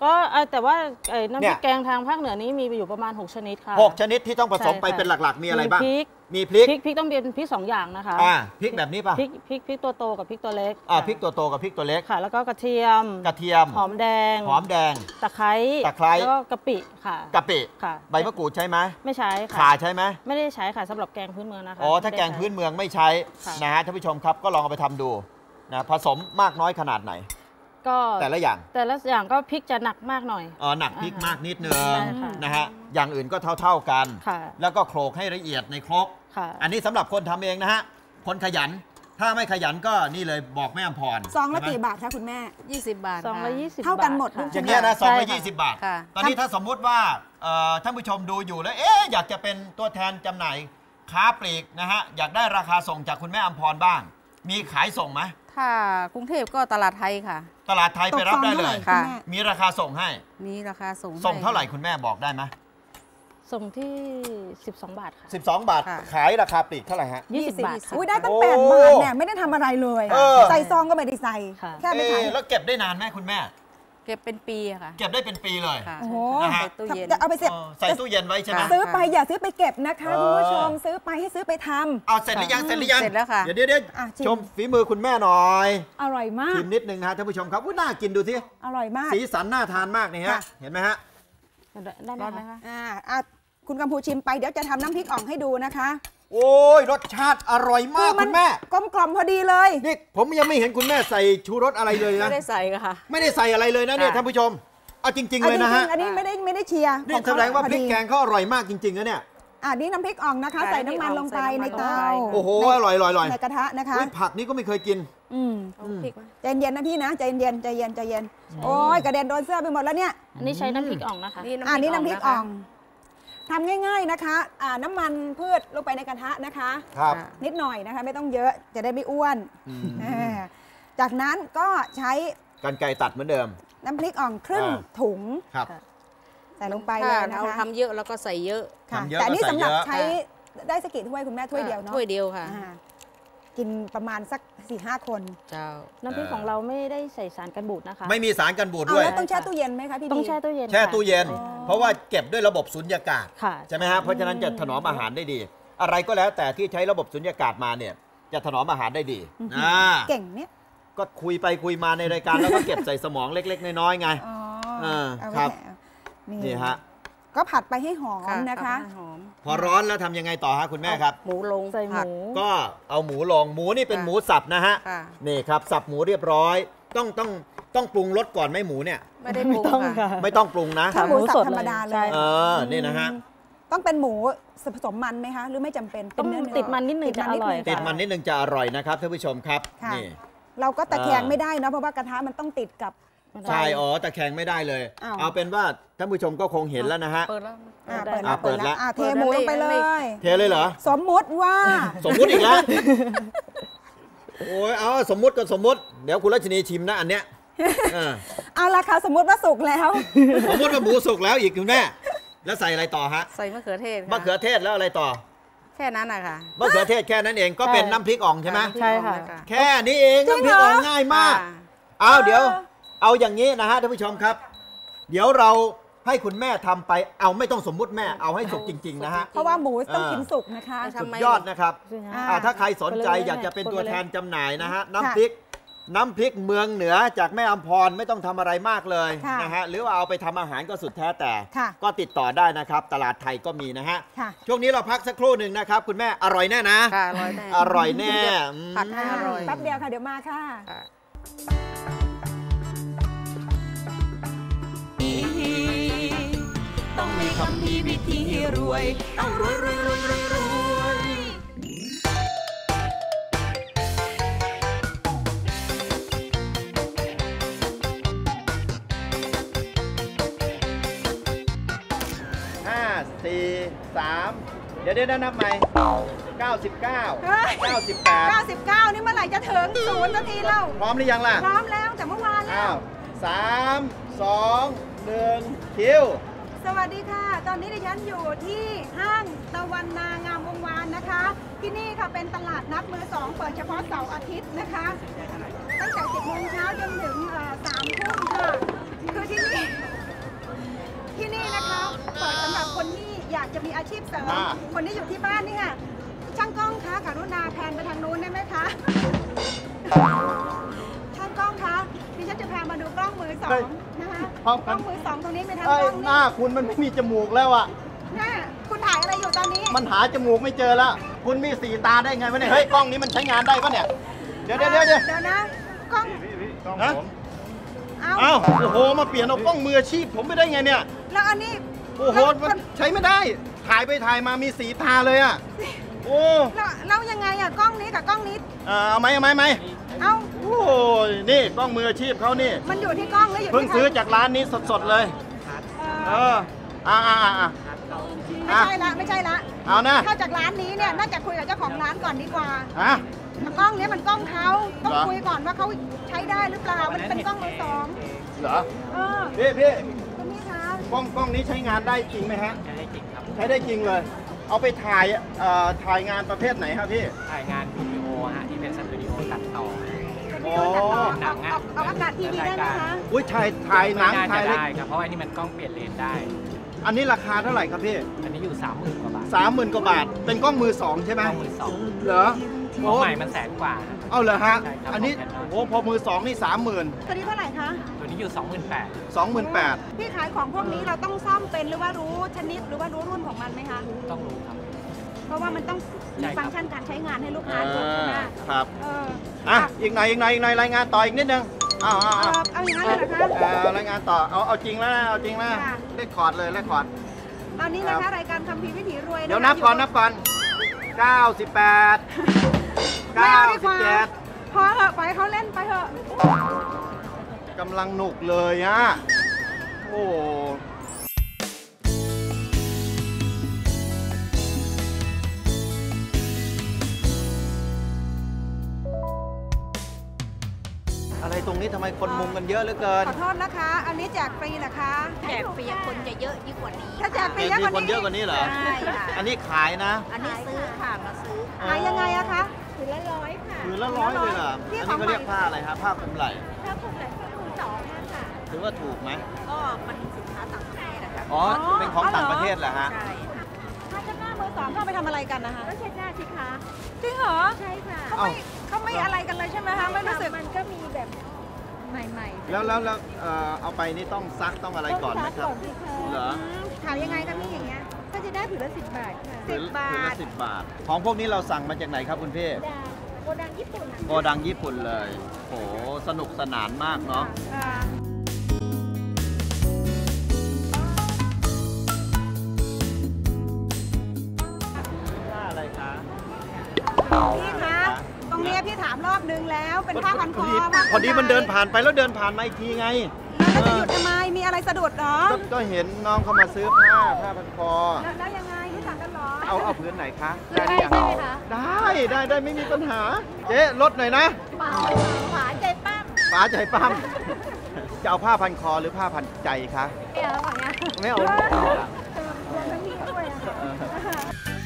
Speaker 6: ก็เอ่อแต่ว่าเอ่อน้ำพ
Speaker 5: เนี่
Speaker 6: ริ
Speaker 5: ย
Speaker 6: กแกงทางภาคเหนือนี้มีอยู่ประมาณหกชนิดค่ะ
Speaker 5: หกชนิดที่ต้องผสม
Speaker 6: ใช่
Speaker 5: ไป
Speaker 6: ค่ะ
Speaker 5: เป็นหลักๆ มีอะไรบ้าง
Speaker 6: พริก
Speaker 5: มีพริก
Speaker 6: พริกพริกต้องเป็นพริกสองอย่างนะคะ
Speaker 5: อ่าพริกแบบนี้ป่ะ
Speaker 6: พริกพริกพริกตัวโตกับพริกตัวเล็ก
Speaker 5: อ่า
Speaker 6: ค่ะ
Speaker 5: พริกตัวโตกับพริกตัวเล็ก
Speaker 6: ค่ะ แล้วก็กระเทียม
Speaker 5: กระเทียม
Speaker 6: หอมแดง
Speaker 5: หอมแดง
Speaker 6: ตะไคร้
Speaker 5: ตะไคร้
Speaker 6: แล้วก็กะปิค่ะ
Speaker 5: กะปิ
Speaker 6: ค่ะ
Speaker 5: ใบมะกรูดใช่ไหม
Speaker 6: ไม่ใช้
Speaker 5: ข่า
Speaker 6: ค่ะ
Speaker 5: ใช่ไหม
Speaker 6: ไม่ได้ใช้ค่ะสำหรับแกงพื้นเมืองนะคะ
Speaker 5: อ๋อถ้า
Speaker 6: ไม่
Speaker 5: แก
Speaker 6: ได้
Speaker 5: ง
Speaker 6: ใช้
Speaker 5: พื้นเมืองไม่ใช้
Speaker 6: ค่ะ
Speaker 5: นะฮะท่านผู้ชมครับก็ลองเอาไปทำดูนะผสมมากน้อยขนาดไหน
Speaker 6: ก็
Speaker 5: แต่ละอย่าง
Speaker 6: แต่ละอย่างก็พริกจะหนักมากหน่อย
Speaker 5: อ๋อหนักพริกมากนิดนึง
Speaker 6: ใช่ค่ะ
Speaker 5: นะฮะอย่างอื่นก็เท่า ๆกัน
Speaker 6: ค่ะ
Speaker 5: แล้วก็โขลกให้ละเอียดในครก
Speaker 6: ค่ะ
Speaker 5: อันนี้สำหรับคนทำเองนะฮะคนขยัน ถ้าไม่ขยันก็นี่เลยบอกแม่อำพร
Speaker 3: ซองละ
Speaker 5: ใช่ไหม
Speaker 3: กี่บาทคะคุณแม่
Speaker 4: ยี่สิบบาท
Speaker 6: สองร้อยยี่สิบ
Speaker 3: เท่ากันหมด
Speaker 6: บท
Speaker 3: ทุก
Speaker 6: ค่ะ
Speaker 5: อย่างเงี้ยนะซองละ
Speaker 6: ใช่ค่ะ
Speaker 5: ยี่สิบบาท
Speaker 4: ค่ะ
Speaker 5: ตอนนี้ถ้าสมมุติว่าเอ่อท่านผู้ชมดูอยู่แล้วเอ๊ะอยากจะเป็นตัวแทนจำหน่ายค้าปลีกนะฮะอยากได้ราคาส่งจากคุณแม่อำพรบ้าง มีขายส่งไหม
Speaker 4: ถ้ากรุงเทพก็ตลาดไทยค่ะ
Speaker 5: ตลาดไทยไปรับได้เลย
Speaker 3: ตกซองเท่าไหร่
Speaker 4: ค่ะ
Speaker 3: ณแม่
Speaker 5: มีราคาส่งให้
Speaker 4: มีราคาส่ง
Speaker 5: ส่งเท่าไหร่
Speaker 4: ให้
Speaker 5: คุณแม่บอกได้ไหม
Speaker 6: ส่งที่ สิบสอง บาทค่ะ
Speaker 5: สิบสองบาท
Speaker 4: ค่ะ
Speaker 5: ขายราคาปลีกเท่าไหร่ฮะ
Speaker 6: ยี่สิบบาทค่ะ
Speaker 3: อุ้ยได้ตั้ง
Speaker 5: โอ้
Speaker 3: แปดบาทเนี่ยไม่ได้ทำอะไรเลย
Speaker 5: เออ
Speaker 3: ใส่ซองก็ไม่ได้ใส่
Speaker 6: ค่ะ
Speaker 3: แค่ไป
Speaker 5: เอ๊ะ
Speaker 3: ขาย
Speaker 5: แล้วเก็บได้นานไหมคุณแม่
Speaker 4: เก็บเป็นปีอะค่ะ
Speaker 5: เก็บได้เป็นปีเลย
Speaker 4: ค่ะ
Speaker 3: โอ้โห
Speaker 5: นะฮะ
Speaker 4: ใส่ตู้เย็น
Speaker 3: จะเอาไปเสร็จ
Speaker 5: เออใส่ตู้เย็นไว้ใช่ไหม
Speaker 4: ค่ะ
Speaker 3: ซื้อไปอย่าซื้อไปเก็บนะคะ
Speaker 5: เออ
Speaker 3: คุณผู้ชมซื้อไปให้ซื้อไปทำ
Speaker 5: เอาเสร็จหรือยังเสร็จหรือยัง
Speaker 4: เสร็จแล้วค่ะ
Speaker 5: เดี๋ยวเดี๋ยวเดี๋ยว
Speaker 3: อ่ะชิม
Speaker 5: ชมฝีมือคุณแม่หน่อย
Speaker 3: อร่อยมาก
Speaker 5: ชิมนิดนึงนะฮะท่านผู้ชมครับว่าน่ากินดูสิ
Speaker 3: อร่อยมาก
Speaker 5: สีสันน่าทานมากนี่ฮะ
Speaker 3: ค่ะ
Speaker 5: เห็นไหมฮะ
Speaker 6: ได้ไหม
Speaker 4: ร้อนไหม
Speaker 6: คะ
Speaker 4: คะ
Speaker 3: อ่าอ่ะคุณกัมพูชิมไปเดี๋ยวจะทำน้ำพริกอ่องให้ดูนะคะ
Speaker 5: โอ้ยรสชาติอร่อยมากคุณแม่
Speaker 3: กลมกล่อมพอดีเลย
Speaker 5: นี่ผมยังไม่เห็นคุณแม่ใส่ชูรสอะไรเลยนะ
Speaker 4: ไม่ได้ใส่ค่ะ
Speaker 5: ไม่ได้ใส่อะไรเลยนะเนี่ย
Speaker 4: ค่ะ
Speaker 5: ท่านผู้ชมเอาจริง ๆ
Speaker 3: เอา
Speaker 5: เลย
Speaker 3: จ
Speaker 5: นะ
Speaker 3: ริ
Speaker 5: ฮะ
Speaker 3: งๆอันนี้ไม่ได้ไม่ได้เชียร์
Speaker 5: นี่
Speaker 3: ของ
Speaker 5: แสดงว่า
Speaker 3: พอ
Speaker 5: พริกแกงเขาอร่อยมากจริงๆนะเนี่ย
Speaker 3: อ่ะนี่น้ำพริกอ่องนะคะ
Speaker 4: ค่ะ
Speaker 3: ใส่น้ำมันลงไป
Speaker 4: ใส่
Speaker 3: ใน
Speaker 4: น้ำมัน
Speaker 3: เตา
Speaker 4: ลงไป
Speaker 5: โอ้โหอร่อยอร่อยอร่อย
Speaker 3: ในกระทะนะคะ
Speaker 5: อุ๊ยผักนี่ก็ไม่เคยกิน
Speaker 3: อืม
Speaker 4: เอาพริกมา
Speaker 3: ใจเย็นๆนะพี่นะใจเย็นๆใจเย็นใจเย็นโอ้ยกระเด็นโดนเสื้อไปหมดแล้วเนี่ย
Speaker 6: อันนี้ใช้น้ำพริกอ่องนะคะ
Speaker 4: นี่
Speaker 3: อ่านี่น้ำพริกอ่อง
Speaker 4: นะ
Speaker 3: ทำง่าย ๆนะคะอ่าน้ำมันพืชลงไปในกระทะนะคะ
Speaker 5: ครับ
Speaker 4: ค่ะ
Speaker 3: นิดหน่อยนะคะ ไม่ต้องเยอะจะได้ไม่อ้วน
Speaker 5: อืม
Speaker 3: เออจากนั้นก็ใช้
Speaker 5: กันไก่ตัดเหมือนเดิม
Speaker 3: น้ำพริกอ่องครึ่ง
Speaker 5: อ่า
Speaker 3: ถุง
Speaker 5: ครับ
Speaker 3: ใส่ลงไป
Speaker 4: ถ้า
Speaker 3: เลยนะ
Speaker 4: เรา
Speaker 3: คะ
Speaker 4: ทำเยอะแล้วก็ใส่เยอะ
Speaker 3: ค่ะ
Speaker 5: ทำเยอะ
Speaker 3: แต่อันนี่
Speaker 5: ก็ใส่
Speaker 3: สำหรับ
Speaker 5: เยอะ
Speaker 3: ใช้ได้สกกี่ถ้วยคุณแม่ถ้วยเดียวเนาะ
Speaker 4: ถ้วยเดียวค่ะ
Speaker 3: อ่ากินประมาณสักสี่ห้าคน
Speaker 4: เจ้า
Speaker 6: น้ำพริกของเราไม่ได้ใส่สารกันบูดนะคะ
Speaker 5: ไม่มีสารกันบูด
Speaker 3: เอา
Speaker 5: ด้วย
Speaker 3: แล้วต้องแช่ตู้เย็นไหมคะพี่
Speaker 6: ต้อง
Speaker 3: บี
Speaker 6: แช่ตู้เย็น
Speaker 5: แช่
Speaker 6: ค่ะ
Speaker 5: ตู้เย็น
Speaker 3: อ๋อ
Speaker 5: เพราะว่าเก็บด้วยระบบสุญญากาศ
Speaker 6: ค่ะ
Speaker 5: ใช่ไหมฮะเพราะฉะนั้นจะถนอมอาหารได้ดี อะไรก็แล้วแต่ที่ใช้ระบบสุญญากาศมาเนี่ยจะถนอมอาหารได้ดีอ่า
Speaker 3: เก่งเนี่ย
Speaker 5: ก็คุยไปคุยมาในรายการแล้วก็เก็บใส่สมองเล็ก ๆ น้อยๆไง
Speaker 3: อ๋อ
Speaker 5: เออ
Speaker 3: เอา
Speaker 5: ครับ
Speaker 3: ไว้แหม
Speaker 5: นี่ฮะ
Speaker 3: ก็ผัดไปให้หอมนะคะ
Speaker 4: เอาให้หอม
Speaker 5: พอร้อนแล้วทำยังไงต่อฮะคุณแม่ครับ
Speaker 4: หมูลง
Speaker 6: ใส่ห
Speaker 4: ผัก
Speaker 6: มู
Speaker 5: ก็เอาหมูลงหมูนี่เป็น
Speaker 4: ค่ะ
Speaker 5: หมูสับนะฮะ
Speaker 4: ค่ะ
Speaker 5: นี่ครับสับหมูเรียบร้อย ต้องต้องต้องปรุงรสก่อนไหมหมูเนี่ย
Speaker 4: ไม่ได้ป
Speaker 6: ไม่
Speaker 4: รุง
Speaker 6: ต้อง
Speaker 4: ค่ะ
Speaker 6: ค่ะ
Speaker 5: ไม่ต้องปรุงนะ
Speaker 3: ถ้าหมูสับธรรมดาเล
Speaker 6: ใช่
Speaker 3: ย
Speaker 5: เออนี่นะฮะ
Speaker 3: ต้องเป็นหมูผสมมันไหมคะ หรือไม่จำเป็น
Speaker 6: ต้อง
Speaker 3: เป็เนื้อ
Speaker 6: ติดมันนิดนึง
Speaker 3: ติ
Speaker 6: จะอร่อย
Speaker 3: นิดนึง
Speaker 5: ติดมันนิดนึงจะอร่อยนะครับท่านผู้ชมครับ
Speaker 3: ค่ะ
Speaker 5: นี่
Speaker 3: เราก็ตะแคง
Speaker 5: อ่า
Speaker 3: ไม่ได้เนอะเพราะว่ากระทะมันต้องติดกับ
Speaker 5: ใช่อ๋อตะแคงไม่ได้เลย
Speaker 3: อ้าว
Speaker 5: เอาเป็นว่าท่านผู้ชมก็คงเห็นแล้วนะฮะ
Speaker 4: เปิดแล้ว
Speaker 3: อ่า
Speaker 6: ได้
Speaker 3: เปิดแล้ว
Speaker 5: อ่าเปิดแล้ว
Speaker 3: อ่าเทหมูลงไปเล
Speaker 4: ไม่
Speaker 3: ย
Speaker 5: เทเลยเหรอ
Speaker 3: สมมุติว่า
Speaker 5: สมมุติอีกแล้ว โอ้ยเอาสมมุติก็สมมุติ เดี๋ยวคุณรัชนีชิมนะอันเนี้ยเออ
Speaker 3: เอาละค่ะสมมุติว่าสุกแล้ว
Speaker 5: สมมุติว่าหมูสุกแล้วอีกคุณแม่แล้วใส่อะไรต่อฮะ
Speaker 4: ใส่มะเขือเทศค่ะ
Speaker 5: มะเขือเทศแล้วอะไรต่อ
Speaker 4: แค่นั้นนะคะ
Speaker 5: มะเขือเทศแค่นั้นเองก็เป็นน้ำพริกอ่องใช่ไหม
Speaker 6: ใช่ค่ะ
Speaker 5: แค่นี้เอง
Speaker 3: จริง
Speaker 5: น้ำพริก
Speaker 3: เหรอ
Speaker 5: อ่องง่ายมาก
Speaker 4: ค่ะ
Speaker 5: เอาเดี๋ยว เอาอย่างนี้นะฮะท่านผู้ชมครับ เดี๋ยวเราให้คุณแม่ทำไปเอาไม่ต้องสมมุติแม่เอาให้สุกจริง ๆ นะฮะ
Speaker 3: เพราะว่าหมูต้อง
Speaker 5: อ่ากิ
Speaker 3: กินสุกนะคะ
Speaker 5: สุดยอดนะครับ
Speaker 3: อ่า
Speaker 5: อ่าถ้าใครสนใจ
Speaker 6: คนละเล่ม
Speaker 5: อยากจะเป็นตัวแทนจำหน่ายนะฮะน้ำ
Speaker 3: ค่ะ
Speaker 5: พริก น้ำพริกเมืองเหนือจากแม่อำพรไม่ต้องทำอะไรมากเลย
Speaker 3: ค่ะ
Speaker 5: นะฮะหรือว่าเอาไปทำอาหารก็สุดแท้แต่
Speaker 3: ค่ะ
Speaker 5: ก็ติดต่อได้นะครับ ตลาดไทยก็มีนะฮะ
Speaker 3: ค่ะ
Speaker 5: ช่วงนี้เราพักสักครู่หนึ่งนะครับ คุณแม่อร่อยแน่นะ
Speaker 4: ค่ะอร่อยแน่
Speaker 5: อร่อยแน่อืม
Speaker 4: ผัดให้อร่อย
Speaker 3: แป๊บเดียวค่ะเดี๋ยวมาค่ะ
Speaker 4: ค่ะ
Speaker 1: ต้องมีคำพีวิธีรวย ต้องรวยรวยรวยรวยรวย
Speaker 5: ห้าสี่สามเดี๋ยวเดี๋ยวนับใหม่เก้าสิบเก้า
Speaker 3: เฮ้ย
Speaker 5: เก้าสิบแปด
Speaker 3: เก้าสิบเก้านี่เมื่อไหร่จะถึงศูนย์นาทีแล้ว
Speaker 5: พร้อมหรือยังล่ะ
Speaker 3: พร้อมแล้วแต่เมื่อวานแล้
Speaker 5: อ้าว วสามสองหนึ่งคิว
Speaker 3: สวัสดีค่ะ ตอนนี้ดิฉันอยู่ที่ห้างตะวันนางามวงวานนะคะ ที่นี่ค่ะเป็นตลาดนัดมือสองเปิดเฉพาะเสาร์อาทิตย์นะคะ ตั้งแต่สิบโมงเช้าจนถึงเอ่อสามทุ่มค่ะ คือที่นี่จะมีอาชีพเสริม
Speaker 5: อ่า
Speaker 3: คนที่อยู่ที่บ้านนี่ค่ะช่างกล้องคะกรุณาแพนไปทางนู้นได้ไหมคะ ช่างกล้องคะดิฉันจะพามาดูกล้องมือสองนะคะกล้องมือสองตรงนี้เป็นทาง
Speaker 5: เอ้
Speaker 3: ก
Speaker 5: ย
Speaker 3: ล้อง
Speaker 5: ห
Speaker 3: นี่
Speaker 5: น้าคุณมันไม่มีจมูกแล้วอ่ะ
Speaker 3: หน้าคุณถ่ายอะไรอยู่ตอนนี้
Speaker 5: มันหาจมูกไม่เจอแล้ว คุณมีสีตาได้ไงวะเนี่ย เฮ้ย กล้องนี้มันใช้งานได้ปะเนี่ย เดี๋ยวเดี๋ยวเดี๋ยวเดี๋ยว
Speaker 3: เดี๋ยวนะกล้อง
Speaker 5: ฮะ
Speaker 3: เอา
Speaker 5: เอ้าโอ้โห มาเปลี่ยนเอากล้องมืออาชีพผมไม่ได้ไงเนี่ย
Speaker 3: แล้วอันนี้
Speaker 5: โอ้โห มันใช้ไม่ได้ ถ่ายไปถ่ายมามีสีตาเลยอ่ะ โอ้
Speaker 3: แล้วแล้วยังไงอะกล้องนี้กับกล้องนี้
Speaker 5: เอ่อเอาไหมเอาไหมไหม
Speaker 3: เอา
Speaker 5: โอ้ยนี่กล้องมืออาชีพเขานี่
Speaker 3: มันอยู่ที่กล้องหรืออยู่
Speaker 5: เพิ่ง
Speaker 3: ที่
Speaker 5: ซื้อ
Speaker 3: ใคร
Speaker 5: จากร้านนี้สดๆเลย
Speaker 3: เอ
Speaker 5: เอ
Speaker 3: อ
Speaker 5: อ อ่าอ่าอ่า
Speaker 3: ไม่ใช่ละไม่ใช่ละ
Speaker 5: เอานะ
Speaker 3: เข้าจากร้านนี้เนี่ยน่าจะคุยกับเจ้าของร้านก่อนดีกว่า
Speaker 5: ฮะ
Speaker 3: กล้องเนี้ยมันกล้องเขาต้อง
Speaker 5: เหรอ
Speaker 3: คุยก่อนว่าเขาใช้ได้หรือเปล่า มันเป็นกล้องมือสอง
Speaker 5: เหรอ
Speaker 3: เออ
Speaker 5: พี่พี่
Speaker 3: คุณพี่คะ
Speaker 5: กล้องกล้องนี้ใช้งานได้จริงไหมฮะ
Speaker 7: ใช้ได้จริงครับ
Speaker 5: ใช้ได้จริงเลย เอาไปถ่ายเอ่อถ่ายงานประเภทไหนครับพี่
Speaker 7: ถ่ายงานวิดีโอฮะที่เป็นสตูดิโอตัดต่อ
Speaker 3: เป็นวิดีโอตัดต่อ
Speaker 7: หนั
Speaker 3: เอา
Speaker 7: งอะ
Speaker 3: เอาเอาอากาศทีวีได้ไหมคะ
Speaker 5: อุ้ยถ่ายถ่ายหนัง
Speaker 7: ไม่น่า
Speaker 5: ถ่าย
Speaker 7: จะ
Speaker 5: เล็ก
Speaker 7: ได้ครับเพราะว่าอันนี้มันกล้องเปลี่ยนเลนได้
Speaker 5: อันนี้ราคาเท่าไหร่ครับพี่
Speaker 7: อันนี้อยู่สามหมื่นกว่าบาท
Speaker 5: สามหมื่นกว่าบาท เป็นกล้องมือสองใช่ไหม
Speaker 7: กล้องมือสอง
Speaker 5: เหรอ
Speaker 7: หัวใหม่มันแสนกว่า
Speaker 5: เอาเหรอฮะ
Speaker 7: ใช่ครับ
Speaker 5: อันนี้
Speaker 7: ของ
Speaker 5: โอ้พอมือสองนี่สามหมื่น
Speaker 3: ตัวนี้เท่าไหร่คะ
Speaker 7: ตัวนี้อยู่สองหมื่นแปด
Speaker 5: สองหมื่นแปด
Speaker 3: พี่ขายของพวกนี้เราต้องซ่อมเป็นหรือว่ารู้ชนิดหรือว่ารู้รุ่นของมันไหมคะ
Speaker 7: ต้องรู้ครับ
Speaker 3: เพราะว่ามันต้อง
Speaker 7: ใช่
Speaker 3: มี
Speaker 7: ครับ
Speaker 3: ฟังก์ชันการใช้งานให้ลูกค้าดูใช่ไหม
Speaker 5: ครับ
Speaker 3: เออ
Speaker 5: อ่ะ อีกหน่อยอีกหน่อยอีกหน่อยรายงานต่ออีกนิดนึงอ้าวอ้าว
Speaker 3: เอ
Speaker 5: อ้าว
Speaker 3: อเอาอย่างนั้นเลยนะคะ
Speaker 5: เอ่อรายงานต่อ เอาเอาจริงแล้วนะเอาจริงแล้วนะ
Speaker 3: ค่ะ
Speaker 5: เลขคอร์ดเลยเลขคอร์ด
Speaker 3: ตอนนี้นะคะรายการคัมภีร์วิถีรวยะคะ
Speaker 5: เดี๋ยวนับก่อนนับก่อนเก้าสิบแปด
Speaker 3: ไม่
Speaker 5: เก้า
Speaker 3: เอาดี
Speaker 5: สิ
Speaker 3: ก
Speaker 5: บ
Speaker 3: ว่า
Speaker 5: เจ็ด
Speaker 3: พอเหอะปล่อยให้เขาเล่นไปเถอะ
Speaker 5: กำลังหนุกเลยฮะ โอ้ อะไรตรงนี้ทำไมคนมุงกันเยอะเหลือเกิน
Speaker 3: ขอโทษนะคะ อันนี้แจกฟรีเหรอคะ
Speaker 8: แจกฟรีคนจะเยอะยิ่งกว่านี้
Speaker 3: ถ้าแจกฟรี
Speaker 5: มี
Speaker 3: เยอะกว่า
Speaker 5: คน
Speaker 3: นี้
Speaker 5: เยอะกว่านี้เหรอ
Speaker 8: ใช่ค่ะ
Speaker 5: อันนี้ขายนะ
Speaker 8: อันนี้ซื้อค่ะ มาซื้อค่ะ
Speaker 3: ขายยังไงอะคะ
Speaker 8: ถือละร้อยค่ะ
Speaker 5: ถือละร้อยเลยเหรอ
Speaker 3: พี่
Speaker 5: อัน
Speaker 3: ขอ
Speaker 5: นี้
Speaker 3: ง
Speaker 5: เขาเรียกผ้าอะไรครับผ้าคลุมไหล่
Speaker 8: ถ้าผมไหนก็คูณสองค่ะ
Speaker 5: ถือว่าถูกไหม
Speaker 8: ก็มันสินค้าต่างประเทศนะคะ
Speaker 5: อ๋อ เป็นของต่างประเทศเหรอฮะ
Speaker 8: ใช่ค่ะ
Speaker 3: ถ้าจะหน้ามือสองเข้าไปทำอะไรกันนะคะ
Speaker 8: ก็เช็ดหน้าสิคะ
Speaker 3: จริงเหรอ
Speaker 8: ใช่ค่ะ
Speaker 3: เขาไม่เขาไม่อะไรกันเลยใช่ไหมคะไม่รู้สึก
Speaker 8: มันก็มีแบบใหม่ๆ
Speaker 5: แล้วแล้วแล้วเอ่อเอาไปนี่ต้องซักต้องอะไรก่อนไหมครับ
Speaker 8: ต้องซักก่อนสิคะ
Speaker 5: เหรอ
Speaker 3: ขายยังไงกันพี่อย่างเงี้ย
Speaker 8: ก็จะได้ถือละสิบบาทค่ะ
Speaker 3: สิบบาท
Speaker 5: ถือละสิบบาท ของพวกนี้เราสั่งมาจากไหนครับคุณพี่
Speaker 8: ดาโกดังญี่ปุ่นนะ
Speaker 5: โกดังญี่ปุ่นเลย โห สนุกสนานมากเนาะ
Speaker 3: อ่า
Speaker 5: ผ้าอะไรคะ
Speaker 3: พี่คะ ตรงเนี้ยพี่ถามรอบนึงแล้ว เป็นผ้าพันคอ
Speaker 5: พอดีมันเดินผ่านไปแล้วเดินผ่านมาอีกทีไง
Speaker 3: แล้วจะหยุดทำไม มีอะไรสะดุดเหรอ
Speaker 5: ก็ก็เห็นน้องเขามาซื้อผ้าผ้าพันคอ
Speaker 3: แล้วแล้วยังไงรู้จักกันเหรอ
Speaker 5: เอาเอาพื้นไหนคะ
Speaker 8: ได้ใช่ไหมคะ
Speaker 5: ได้ได้ได้ไม่มีปัญหา เจ๊ลดหน่อยนะ
Speaker 8: เปล่าหวานใจปั้ม
Speaker 5: ป๋าใจปั้ม จะเอาผ้าพันคอหรือผ้าพันใจคะ
Speaker 8: ไม่เอาหวานนะ
Speaker 5: ไม่เอา
Speaker 3: รวมทั้งพี่ด้วยอะค่ะ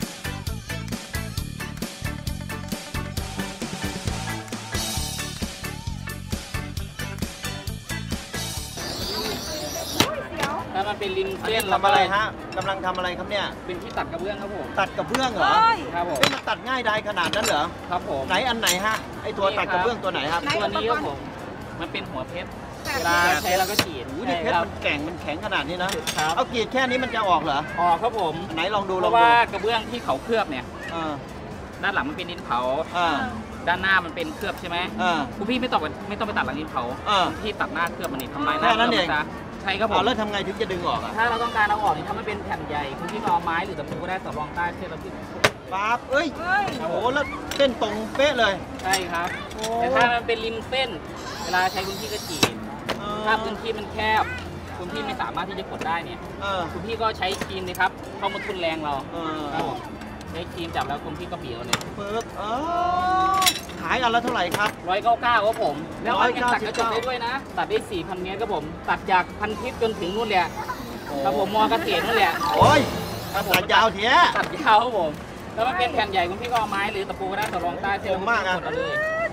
Speaker 3: เดี๋ยว
Speaker 7: ถ้ามันเป็นลิน
Speaker 5: อัน
Speaker 7: เส้
Speaker 5: นี้
Speaker 7: น
Speaker 5: ทำอะไรฮะกำลังทำอะไรครับเนี่ย
Speaker 7: เป็นที่ตัดกระเบื้องครับผม
Speaker 5: ตัดกระเบื้องเหรอ
Speaker 3: เฮ้ย
Speaker 7: ครับผม
Speaker 5: เอ้ยมันตัดง่ายได้ขนาดนั้นเหรอ
Speaker 7: ครับผม
Speaker 5: ไหนอันไหนฮะ ไอตัวตัดกระเบื้องตัวไหนครับ
Speaker 3: ไหน
Speaker 7: ตัวนี้ครับผม มันเป็นหัวเพชร เวลาใช้เราก็ฉีด
Speaker 5: โอ้โหนี่เพชร
Speaker 7: ใช่คบ
Speaker 5: มันแข็งมันแข็งขนาดนี้นะ
Speaker 7: ครับ
Speaker 5: เอากรีดแค่นี้มันจะออกเหรอ
Speaker 7: ออกครับผม
Speaker 5: ไหนลองดู
Speaker 7: เพ
Speaker 5: ลอง
Speaker 7: ราะ
Speaker 5: ดู
Speaker 7: ว่ากระเบื้องที่เขาเคลือบเนี่ย
Speaker 5: เออ
Speaker 7: ด้านหลังมันเป็นดินเผา
Speaker 5: เออ
Speaker 7: ด้านหน้ามันเป็นเคลือบใช่ไหม
Speaker 5: เออ
Speaker 7: คุณพี่ไม่ต้องไปไม่ต้องไปตัดหลังดินเผา
Speaker 5: เออ
Speaker 7: คุณพี่ตัดหน้าเคลือบมันนี่ทำลายหน้า
Speaker 5: แค่นั้นเอง
Speaker 7: คลืบมัซะใช่ครับผ
Speaker 5: เอา
Speaker 7: ม
Speaker 5: แล้วทำไงถึงจะดึงออกอ่ะ
Speaker 7: ถ้าเราต้องการเอาออกเนี่ยถ้ามันเป็นแผ่นใหญ่ คุณพี่ก็เอาไม้หรือตะปูก็ได้ต่อรองใต้เส้นเราพี่
Speaker 5: ปั๊บเอ้ย
Speaker 3: เฮ้ย
Speaker 5: โอ้โหแล้วเส้นตรงเป๊ะเลย
Speaker 7: ใช่ครับ
Speaker 5: โอ้
Speaker 7: แต่ถ้ามันเป็นริมเส้น เวลาใช้คุณพี่ก็ฉีด
Speaker 5: เออ
Speaker 7: ถ้าพื้นที่มันแคบ คุณพี่ไม่สามารถที่จะกดได้เนี่ย
Speaker 5: เออ
Speaker 7: คุณพี่ก็ใช้ครีมเลยครับ เข้ามาทุนแรงเรา
Speaker 5: เออ
Speaker 7: ครับผมใช้ครีมจับแล้วคุณพี่ก็บีบเอาเลย
Speaker 5: ปึ๊บเออขายอันละเท่าไหร่ครับ
Speaker 7: ร้อยเก้าเก้าครับผม แล้วมันยัง
Speaker 5: ร้อย
Speaker 7: ตัด
Speaker 5: เก้าก สิบ
Speaker 7: ระจก
Speaker 5: เก้า
Speaker 7: ได้ด้วยนะ ตัดได้สี่พันเมตรครับผม ตัดจากพันทิพย์จนถึงนู่นแหละครับผมมอเกษตรนู่นแหละ
Speaker 5: โอ้ย
Speaker 7: ครับผม
Speaker 5: ตัดยาวเถีย
Speaker 7: ตัดยาวครับผม แล้วมันเป็นแผ่นใหญ่คุณพี่ก็เอาไม้หรือตะปูก็ได้ต่อรองใต้เส้น
Speaker 5: คมมากอะ
Speaker 7: กดเอาเลย
Speaker 3: ที่กำลังเตะ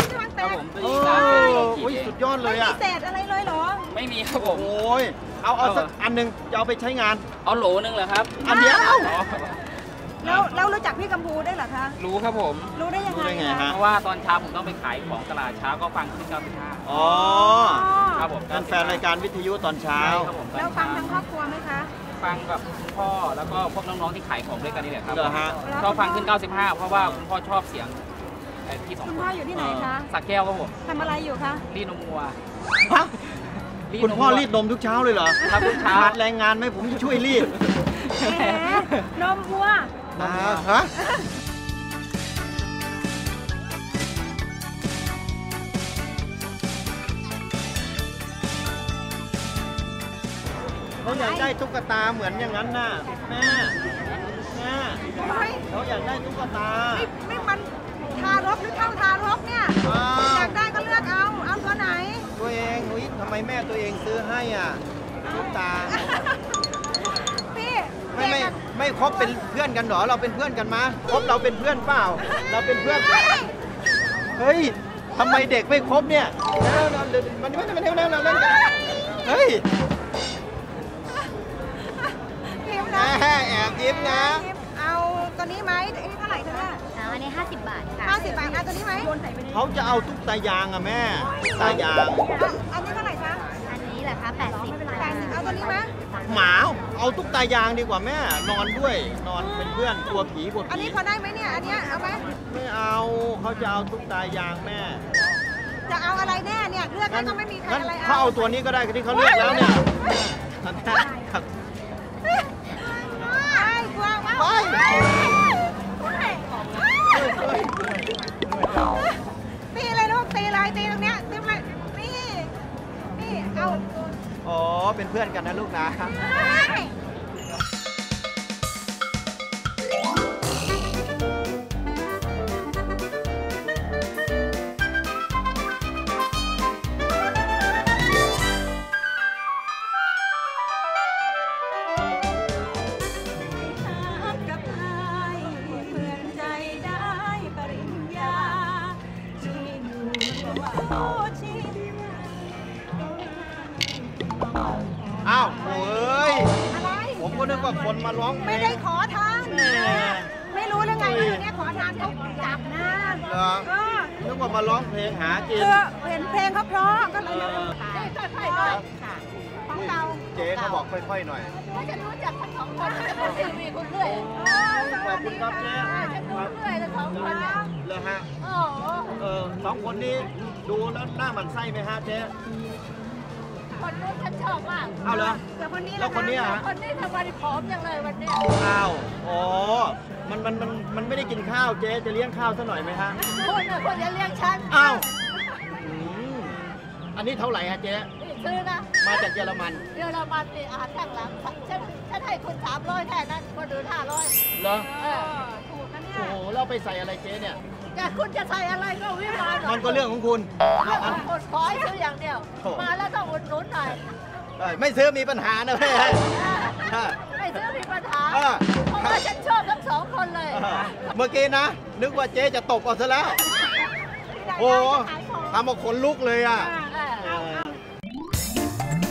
Speaker 7: ครับผมตัว
Speaker 5: โอ้
Speaker 7: นี้สามเป็นโล
Speaker 5: โห
Speaker 7: ขีดเอง
Speaker 5: สุดยอดเล
Speaker 3: ไม่
Speaker 5: ย
Speaker 3: มี
Speaker 5: อ่ะ
Speaker 3: เศษอะไรเลยเหรอ
Speaker 7: ไม่มีครับผม
Speaker 5: โอ้ยเอาเอาสักอันหนึงจะเอาไปใช้งาน
Speaker 7: เอาโหลนึงเหรอครับ
Speaker 5: อันเดียว
Speaker 7: อ๋อ
Speaker 3: แล้วแล้วรู้จักพี่กัมพูได้วยเหรอคะ
Speaker 7: รู้ครับผม
Speaker 3: รู้ได้ยัง
Speaker 5: รู้
Speaker 3: ไง
Speaker 5: ได้ไง
Speaker 3: คะ
Speaker 5: ฮะ
Speaker 7: เพราะว่าตอนเช้าผมต้องไปขายของตลาดเช้าก็ฟังขึ้นเก้าสิบห้า
Speaker 5: อ๋อ
Speaker 7: ครับผม
Speaker 5: เป็นแฟนรายการวิทยุตอนเช้า
Speaker 7: ใช่ครับผม
Speaker 3: แล้วฟังทั้งครอบครัวไหมคะ
Speaker 7: ฟังกับคุณพ่อแล้วก็พวกน้องๆที่ขายของด้วยกันนี่แหละครับ
Speaker 5: เหรอฮะ
Speaker 7: ชอบฟังขึ้นเก้าสิบห้าเพราะว่าคุณพ่อชอบเสียงไอ้ที่สอง
Speaker 3: คุณพ่ออยู่ที่ไหนคะ
Speaker 7: สักแก้วครับผม
Speaker 3: ทำอะไรอยู่คะ
Speaker 7: รีดนมวัว
Speaker 5: ฮะคุณพ่อรีดนมทุกเช้าเลยเหรอ
Speaker 7: ครับทุกเช้า
Speaker 5: ขาดแรงงานไหมผมจะช่วยรีด
Speaker 3: แหมนมวัว
Speaker 5: อ่าฮะเขาอยากได้ตุ๊กตาเหมือนอย่างนั้นน่ะแม่แม่
Speaker 3: เฮ้ย
Speaker 5: เขาอยากได้ตุ๊กตา
Speaker 3: ไม่ไม่มันทารกหรือเท่าทารกเนี่ย
Speaker 5: อ้า
Speaker 3: อยาว กได้ก็เลือกเอา เอาตัวไหน
Speaker 5: ตัวเองอุ๊ยทำไมแม่ตัวเองซื้อให้อ่ะตุ๊กตา
Speaker 3: พี่
Speaker 5: ไม่ไม่
Speaker 3: เด็กอะ
Speaker 5: ไม่คบเป็นเพื่อนกันเหรอเราเป็นเพื่อนกันมาคบเราเป็นเพื่อนเปล่า เราเป็นเพื่อน เฮ้ยทำไมเด็กไม่คบเนี่ยเร็วๆเดี๋ยวมันมันมันเร็วๆเร็วๆเล่นกันเฮ้ย
Speaker 3: พิมพ์
Speaker 5: แห
Speaker 3: นะ
Speaker 5: มแอบยิ้มนะ
Speaker 3: เอาตัวนี้ไหมอันนี้เท่าไหร่คะเนี่ย
Speaker 8: อันนี้ห้าสิบบาทค่ะ
Speaker 3: ห้าสิบบาทเอาตัวนี้ไหม
Speaker 5: เขาจะเอาตุ๊กตายางอะแม่ตายาง
Speaker 3: เอาอันนี้เท่าไหร่คะ
Speaker 8: อันนี้เหรอคะแปดสิบ
Speaker 3: แปดสิบเอาตัวนี้ไหม
Speaker 5: หมาเอาตุ๊กตายางดีกว่าแม่นอนด้วยนอนเป็นเพื่อนกลัวผีกลัว
Speaker 3: อัน
Speaker 5: ผี
Speaker 3: นี้พอได้ไหมเนี่ย อันเนี้ยเอาไหม
Speaker 5: ไม่เอาเขาจะเอาตุ๊กตายางแม่
Speaker 3: จะเอาอะไรแน่เนี่ยเลือกแล้วก็ไม่มีใคร
Speaker 5: งั้น
Speaker 3: อะไร
Speaker 5: เขา
Speaker 3: เอา
Speaker 5: เอาตัวนี้ก็ได้ที่เขาเลือกแล้วเนี่ยครับ
Speaker 3: ไอ้กลัวมาก
Speaker 5: ไป
Speaker 3: ตีเลยลูกตีเลยตีตรงเนี้ยตีมานี่นี่เอา
Speaker 5: อ๋อเป็นเพื่อนกันนะลูกนะ
Speaker 3: กับไอ้เพื่อนใจได้ปริญญาที่อยู่โอชิ
Speaker 5: อ้าวโอ้ย
Speaker 3: อะไร
Speaker 5: ผมก็นึกว่าคนมาร้องเพล
Speaker 3: ไม่
Speaker 5: ง
Speaker 3: ได้ขอทาน
Speaker 5: แหม
Speaker 3: ไม่รู้เรื่องไงว่าอย่างเนี้ยขอทานเขาจับนะ
Speaker 5: เหรอ
Speaker 3: เออ
Speaker 5: นึกว่ามาร้องเพลงหากิน
Speaker 3: คือเห็นเพลงเขาเพราะก็เลย
Speaker 5: เออ
Speaker 3: ค่อยๆหน่อยของเก่า
Speaker 5: เจ๊เขาบอกค่อยๆหน่อย
Speaker 8: ถ้าจะรู้จักทั้งสองคนจะเป็นทีวีคุณเรื่อย
Speaker 5: ขอบคุณครับเจ๊
Speaker 8: จะดูเรื่อยทั้งสองคนเนี่ย
Speaker 5: เลยฮะ
Speaker 8: โอ้โห
Speaker 5: เออสองคนนี้ดูแล้วหน้าหมันไส้ไหมฮะเจ๊
Speaker 8: คนนู้นฉันชอบมาก
Speaker 5: เอาเหรอ
Speaker 3: เดี๋ยวคนนี้
Speaker 5: แล้วคนเนี้ยฮะ
Speaker 8: คนนี้ทำไมผอมจังเลยวันเนี้ย
Speaker 5: อ้าวอ๋อมันมันมันมันไม่ได้กินข้าวเจ๊จะเลี้ยงข้าวซะหน่อยไหมฮะ
Speaker 8: คุณน่ะคุณจะเลี้ยงฉัน
Speaker 5: อ้าวอืมอันนี้เท่าไหร่ฮะเจ๊
Speaker 8: นี่ซื้อนะ
Speaker 5: มาจากเยอรมัน
Speaker 8: เดี๋ยวเรามาตีอาหารข้างหลังฉันฉันให้คุณสามร้อยแค่นั้นคนอื่นห้าร้อย
Speaker 5: เหรอ
Speaker 8: เออ
Speaker 3: ถูกนะเนี่ย
Speaker 5: โอ้โหเราไปใส่อะไรเจ๊เนี่ย
Speaker 8: แต่คุณจะใส่อะไรก็วิมาน
Speaker 5: มันก็เรื่องของคุณ
Speaker 8: คนขอให้ซื้ออย่างเดียว
Speaker 5: โถ่
Speaker 8: มาแล้วต้องอุดหนุนหน่อย
Speaker 5: เอ้ยไม่ซื้อมีปัญหานะแม่
Speaker 8: ไม่ซื้อมีปัญหา
Speaker 5: เออ
Speaker 8: เพราะว่าฉันชอบทั้งสองคนเลย
Speaker 5: เมื่อกี้นะ นึกว่าเจ๊จะตบเอาซะแล้ว โอ้ทำเอาขนลุกเลยอ่ะ
Speaker 8: เออ
Speaker 5: เออ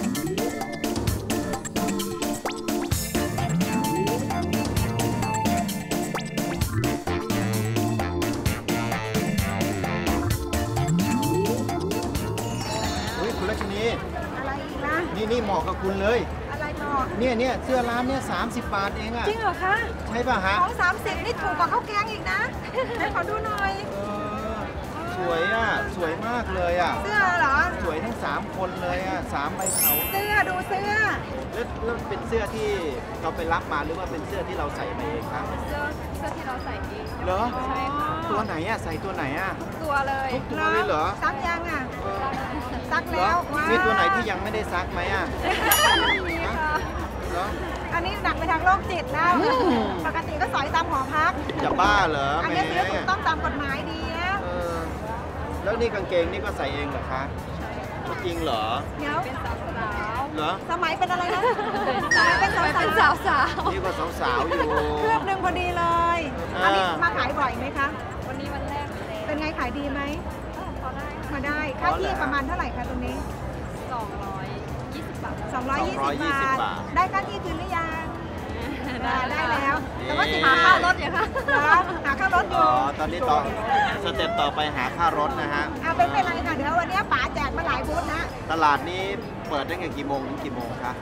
Speaker 5: เฮ้ยคุณรัชนี
Speaker 3: อะไรอีกนะ
Speaker 5: นี่นี่เหมาะกับคุณเลย
Speaker 3: อะไรหนอ
Speaker 5: เนี่ยเนี่ยเสื้อร้านเนี่ยสามสิบบาทเองอ่ะ
Speaker 3: จริงเหรอคะ
Speaker 5: ใช่ป่ะฮะ
Speaker 3: ของสามสิบนี่ถูกกว่าข้าวแกงอีกนะไหนขอดูหน่อย
Speaker 5: เออสวยอ่ะ สวยมากเลยอ่ะ
Speaker 3: เสื้อเหรอ
Speaker 5: สวยทั้งสามคนเลยอ่ะสามใบเถา
Speaker 3: เสื้อดูเสื้อ
Speaker 5: แล้วแล้วเป็นเสื้อที่เราไปรับมาหรือว่าเป็นเสื้อที่เราใส่มาเองครับ
Speaker 3: เสื้อเสื้อที่เราใส่เอง
Speaker 5: เหรอ
Speaker 3: ใช่ค่ะ
Speaker 5: ตัวไหนอ่ะใส่ตัวไหนอ่ะ
Speaker 3: ตัวเลย
Speaker 5: ทุกตัวเลยเหรอ
Speaker 3: ซักยังอ่ะ
Speaker 5: เออ
Speaker 3: ซัก
Speaker 5: เหร
Speaker 3: แล้
Speaker 5: อ
Speaker 3: ว
Speaker 5: มีตัวไหนที่ยังไม่ได้ซักไหมอ่ะ
Speaker 3: มีค่ะ
Speaker 5: เหรอ
Speaker 3: อันนี้หนักไปทางโรคจิตแล้ว
Speaker 5: อืม
Speaker 3: ปกติก็สอยตามหอพัก
Speaker 5: จะบ้าเหรอ
Speaker 3: อัน
Speaker 5: แหม
Speaker 3: นี้ซื้อถูกต้องตามกฎหมายดีนะ
Speaker 5: เออแล้วนี่กางเกงนี่ก็ใส่เองเหรอคะจริงเหรอ
Speaker 3: เดี๋ยวเป็นสาว
Speaker 5: เหรอ
Speaker 3: สมัยเป็นอะไรนะเป็นสาวเป็นสาวสาว
Speaker 5: นี่ก็สาวๆอยู่
Speaker 3: เครื่องหนึ่งพอดีเลย
Speaker 5: อ่า
Speaker 3: อันนี้มาขายบ่อยไหมคะ วันนี้วันแรกเลยเป็นไงขายดีไหมพอได้มาได้ค่าที่ประมาณเท่าไหร่คะตรงนี้สองร้อยยี่สิบบาทสองร้อยยี่สิบบาทได้ค่าที่คืนหรือยังได้ได้แล้วแต่ว่าสิหาค่ารถอยู่ค่ะหาค่ารถอยู่
Speaker 5: ตอนนี้ต่อสเต็ปต่อไปหาค่ารถนะฮะ
Speaker 3: เอาเป็นไม่ไรค่ะเดี๋ยววันนี้ป๋าแจกมาหลายบูธนะ
Speaker 5: ตลาดนี้เปิดตั้งแต่กี่โมงถึงกี่โมงคะ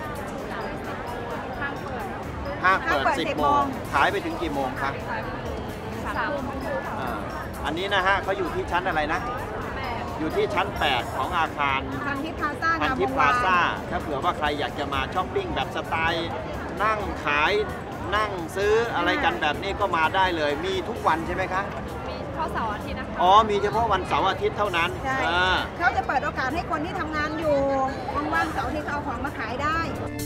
Speaker 5: ห้างเปิดสิบโมงขายไปถึงกี่โมงคะสามโมงอันนี้นะฮะเขาอยู่ที่ชั้นอะไรนะอยู่ที่ชั้นแปดของอาคาร
Speaker 3: พันทิพย์พลาซ่า
Speaker 5: พันทิพย์พลาซ่าถ้าเผื่อว่าใครอยากจะมาช้อปปิ้งแบบสไตล์นั่งขายนั่งซื้ออะไรกันแบบนี้ก็มาได้เลยมีทุกวันใช่ไหมคะ
Speaker 8: มีเฉพาะเสาร์อาทิตย์นะคะ
Speaker 5: อ๋อมีเฉพาะวันเสาร์อาทิตย์เท่านั้น
Speaker 3: ใช่เขาจะเปิดโอกาสให้คนที่ทำงานอยู่ว่างๆเสาร์อาทิตย์เอาของมาขายได้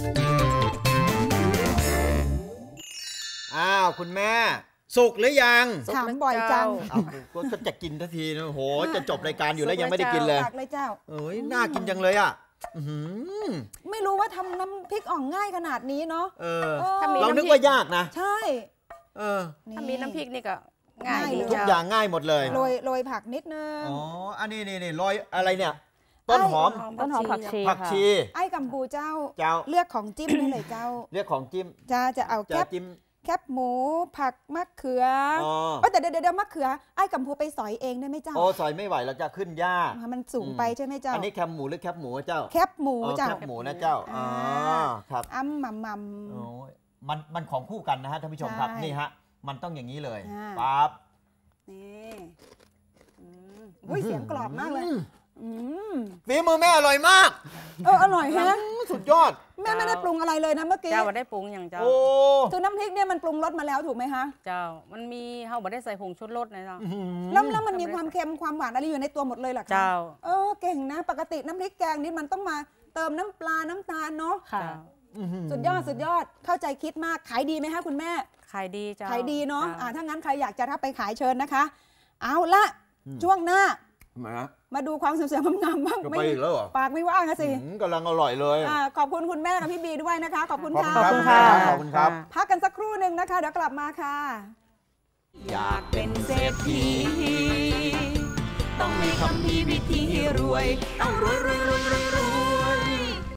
Speaker 5: อ้าวคุณแม่สุกหรือยัง
Speaker 3: ถามบ่อยจัง
Speaker 5: ก็จะกินทันทีนะโหจะจบรายการอยู่แล้วยังไม่ได้กินเลย
Speaker 3: เลยเจ้า
Speaker 5: เอ้ยน่ากินจังเลยอ่ะ
Speaker 3: ไม่รู้ว่าทำน้ำพริกอ่องง่ายขนาดนี้เนาะ
Speaker 5: เรานึกว่ายากนะ
Speaker 3: ใช่
Speaker 4: เออถ้ามีน้ำพริกนี่ก็ง่าย
Speaker 5: ทุกอย่างง่ายหมดเลย
Speaker 3: โรยโรยผักนิดนึง
Speaker 5: อ๋ออันนี้นี่นี่โรยอะไรเนี่ยต้นหอม
Speaker 6: ต้นหอมผักชี
Speaker 5: ผักชี
Speaker 3: ไอ้กัมพูเจ้าเลือกของจิ้มนี่เลยเจ้า
Speaker 5: เลือกของจิ้ม
Speaker 3: จะจะเอาแคบแคบหมูผักมะเขืออ๋อแต่เดี๋ยวเดี๋ยวมะเขือไอ้กัมพูไปสอยเองได้ไหมเจ้า
Speaker 5: โอ้สอยไม่ไหวเราจะขึ้นยาก
Speaker 3: มันสูงไปใช่ไหมเจ้า
Speaker 5: อันนี้แคบหมูหรือแคบหมูเจ้า
Speaker 3: แคบหมูเจ้า
Speaker 5: แคบหมูนะเจ้าอ๋อครับ
Speaker 3: อ้ำมัมมัม
Speaker 5: มันมันของคู่กันนะฮะท่านผู้ชมครับนี่ฮะมันต้องอย่างนี้เลยปั๊บ
Speaker 3: นี่อุ้ยเสียงกรอบมากเลย
Speaker 5: ฝีมือแม่อร่อยมาก
Speaker 3: เอออร่อยฮะ
Speaker 5: สุดยอด
Speaker 3: แม่ไม่ได้ปรุงอะไรเลยนะเมื่อกี้
Speaker 4: เจ้าได้ปรุงอย่างเจ้า
Speaker 3: คือน้ำพริกเนี่ยมันปรุงรสมาแล้วถูกไหมคะ
Speaker 4: เจ้ามันมีเขาไม่ได้ใส่ผงชูรสนะเจ้า
Speaker 3: แล้วแล้วมันมีความเค็มความหวานอะไรอยู่ในตัวหมดเลยหรอคะ
Speaker 4: เจ้า
Speaker 3: เออเก่งนะปกติน้ำพริกแกงนี่มันต้องมาเติมน้ำปลาน้ำตาลเนาะ
Speaker 4: ค่ะ
Speaker 3: สุดยอดสุดยอดเข้าใจคิดมากขายดีไหมคะคุณแม่
Speaker 4: ขายดีเจ้า
Speaker 3: ขายดีเนาะอ่าถ้างั้นใครอยากจะรับไปขายเชิญนะคะเอาละช่วงหน้ามาดูความสวยงามบ้าง
Speaker 5: ไปอีกแล้วเหรอ
Speaker 3: ปากไม่ว่างนะสิ
Speaker 5: กำลังอร่อยเลย
Speaker 3: ขอบคุณคุณแม่กับพี่บีด้วยนะคะขอบคุณค่ะ
Speaker 5: ขอบคุณค่ะขอบคุณครับ
Speaker 3: พักกันสักครู่หนึ่งนะคะเดี๋ยวกลับมาค่ะ
Speaker 1: อยากเป็นเศรษฐีต้องมีคำพีวิธีรวยต้องรวยรวยรวยรวย